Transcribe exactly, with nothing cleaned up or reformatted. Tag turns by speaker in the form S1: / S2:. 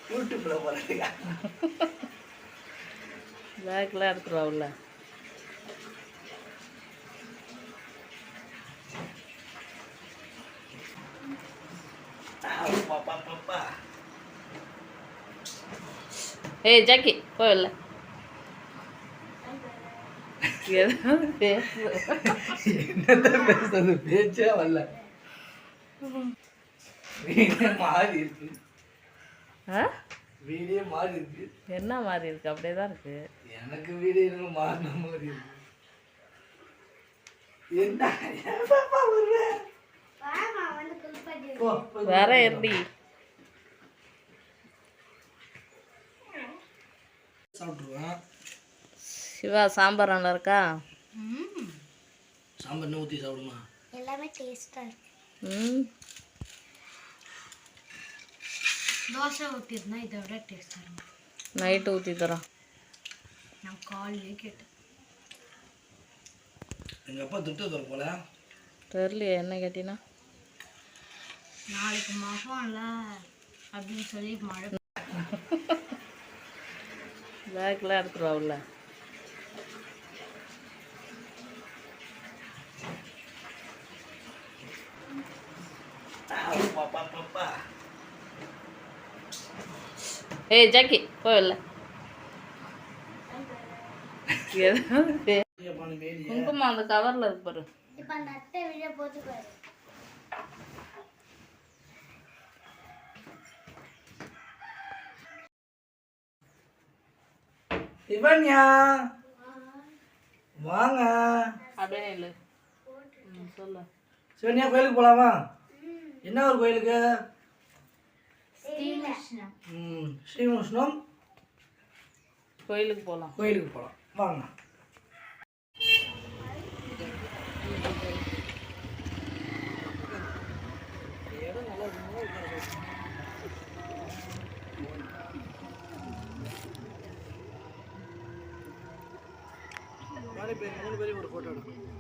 S1: யூடியூப்ல போறதுக்கா
S2: பேக்லாம் எடுத்துருவாவுல்ல. ஏய் ஜாக்கி போயில்ல.
S1: என்னதான் பேசுறது, பேச்சே வரல. வீடே மாறி இருக்கு. வீடே மாறி இருக்கு.
S2: என்ன மாறி இருக்கு? அப்படியே தான் இருக்கு.
S1: எனக்கு வீடு என்ன மாறின மாதிரி இருக்கு. என்ன
S2: வேற எப்படி
S1: சாப்பிட்டுருவேன்.
S2: சிவா சாம்பார் நல்லா இருக்கா?
S1: சாம்பார் ஊற்றி சாப்பிடுமா?
S3: எல்லாமே டேஸ்டா இருக்கு.
S2: ம்
S3: தோசை ஊற்றிருந்தா இதை விட டேஸ்டாக இருக்கும்.
S2: நைட்டு ஊற்றி தரோம்.
S3: நான் காலையிலே கேட்டேன்.
S1: எங்கள் அப்பா திட்ட தர போல
S2: தெரியலையே என்ன கேட்டினா.
S3: நாளைக்கு மகம்ல அப்படின்னு சொல்லி மழை
S2: பேக்லாம் எடுத்துருவாவுல்ல. ஏய் ஜாக்கி போயில்ல. குங்குமம் அந்த கவர்ல இருக்கு பாரு.
S3: இப்ப நட்டை விழ போது பாரு.
S1: இவன்யா வாங்க.
S2: அப்படியே இல்லை சொல்லு.
S1: சிவன்யா கோயிலுக்கு போலாமா? என்ன ஒரு கோயிலுக்கு? ம் ஸ்ரீமுஷ்ணம்
S2: கோயிலுக்கு போகலாம்.
S1: கோயிலுக்கு போகலாம் வாங்க. மூணு பேரும் ஒரு ஃபோட்டோ எடுக்கணும்.